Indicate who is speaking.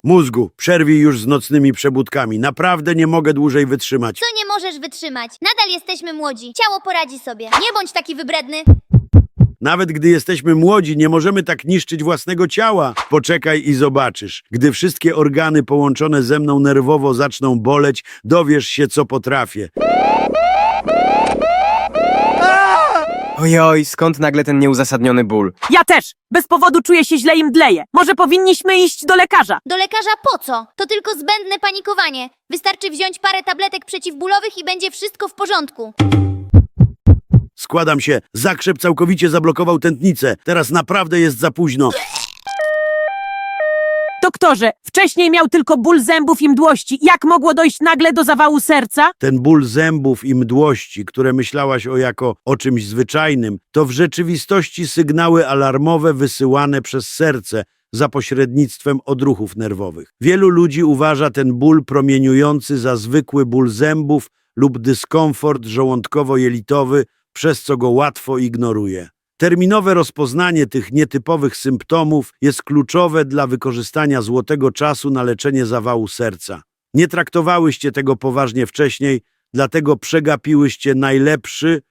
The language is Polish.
Speaker 1: Mózgu, przerwij już z nocnymi przebudkami. Naprawdę nie mogę dłużej wytrzymać.
Speaker 2: Co nie możesz wytrzymać? Nadal jesteśmy młodzi. Ciało poradzi sobie. Nie bądź taki wybredny.
Speaker 1: Nawet gdy jesteśmy młodzi, nie możemy tak niszczyć własnego ciała. Poczekaj i zobaczysz. Gdy wszystkie organy połączone ze mną nerwowo zaczną boleć, dowiesz się, co potrafię.
Speaker 3: Ojoj, skąd nagle ten nieuzasadniony ból?
Speaker 4: Ja też! Bez powodu czuję się źle i mdleję. Może powinniśmy iść do lekarza?
Speaker 2: Do lekarza po co? To tylko zbędne panikowanie. Wystarczy wziąć parę tabletek przeciwbólowych i będzie wszystko w porządku.
Speaker 1: Składam się. Zakrzep całkowicie zablokował tętnicę. Teraz naprawdę jest za późno.
Speaker 4: Doktorze, wcześniej miał tylko ból zębów i mdłości. Jak mogło dojść nagle do zawału serca?
Speaker 1: Ten ból zębów i mdłości, które myślałaś jako o czymś zwyczajnym, to w rzeczywistości sygnały alarmowe wysyłane przez serce za pośrednictwem odruchów nerwowych. Wielu ludzi uważa ten ból promieniujący za zwykły ból zębów lub dyskomfort żołądkowo-jelitowy, przez co go łatwo ignoruje. Terminowe rozpoznanie tych nietypowych symptomów jest kluczowe dla wykorzystania złotego czasu na leczenie zawału serca. Nie traktowałyście tego poważnie wcześniej, dlatego przegapiłyście najlepszy